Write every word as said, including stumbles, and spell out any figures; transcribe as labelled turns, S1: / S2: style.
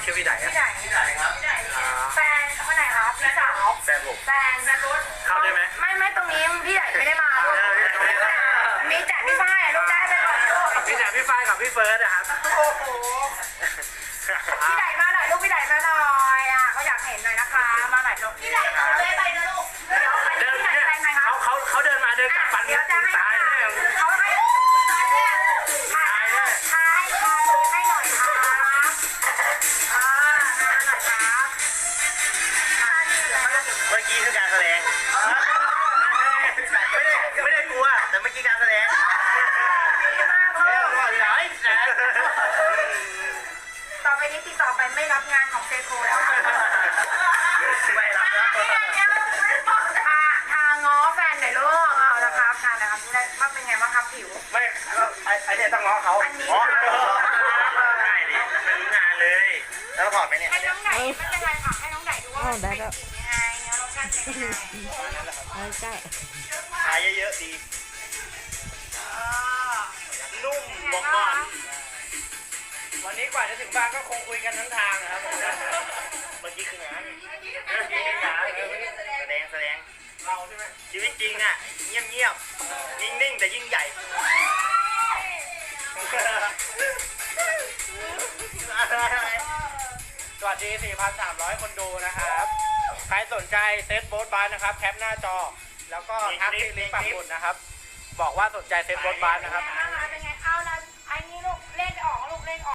S1: ชื่อพี่ไดอะ
S2: พี่ไดพี่ไดครับแฟนคนไหนครับพี่สาว
S1: แฟนผม
S2: แฟนแฟนรถ
S1: เข้าได้ไหม
S2: ไม่ไม่ตรงนี้พี่ไดไม่ได้มาลูกมีแต่พี่ฝ้ายลูกได้ไปก่อนลูก
S1: พี่แต่พี่ฝ้ายกับพี่เฟิร์สนะครับ
S2: โอ้โหพี่ไดมาหน่อยลูกพี่ไดมาหน่อยอ่ะเขาอยากเห็นหน่อยนะคะมาหน่อยลูกพี่ไดเอาเลยไปนะลูกเดี๋ยว
S1: เดิน
S2: พี่ได
S1: เนี่ย
S2: แฟนใครครับ
S1: เขาเขาเขาเดินมาเดินกลับฟัน
S2: เดี๋ยวจะให้
S1: ตายแน่
S2: เขาให้ตายแน่ถ่ายถ่ายถ่ายให้หน่อยครับอ่าหน่อยครับ
S1: เมื่อกี้คือการแสดงไม่ได้ไม่ได้กลัวแต่เมื่อกี้การแสดง
S2: ต่อไปนี้ติดต่อไปไม่รับงานของเซโคแล้วค่ะ
S1: ไม่รับแล้ว
S2: ทาทาง้อแฟนหน่อยลูกเอาละครับทานนะครับได้ว่าเป็นไงบ้างครับผิว
S1: ไม่ไอ้ไอ้เนี่ยต้องง้อเขา
S2: อันนี้
S1: อ๋อได้ดิไม่รู้งานเลยแล้วถอดไปเนี่ย
S2: ให้น้องไหนไม่เป็นไรค่ะให้น้องไหนดูว่ามันเป็นยังไงแล้วรสชาติเป็นยังไง
S3: ใช่
S1: ทายเยอะๆดีนุ่มบอกก่อนวันนี้กว่าจะถึงบ้านก็คงคุยกันทั้งทางนะครับผมเมื่อกี้คืองานเมื่อกี้คืองานแสดงแสดงเราใช่ไหมชีวิตจริงอ่ะเงียบเงียบนิ่งนิ่งแต่ยิ่งใหญ่สวัสดี สี่พันสามร้อย คนดูนะครับ ใครสนใจเซตโบ๊ทบาร์นะครับแคปหน้าจอแล้วก็ทักที่ลิงก์ปักหมุดนะครับบอกว่าสนใจเซตโบ๊ทบาร์นะครับ
S2: เป็นไงเอาละไอ้นี่ลูกเล่นออกลูกเล่นออก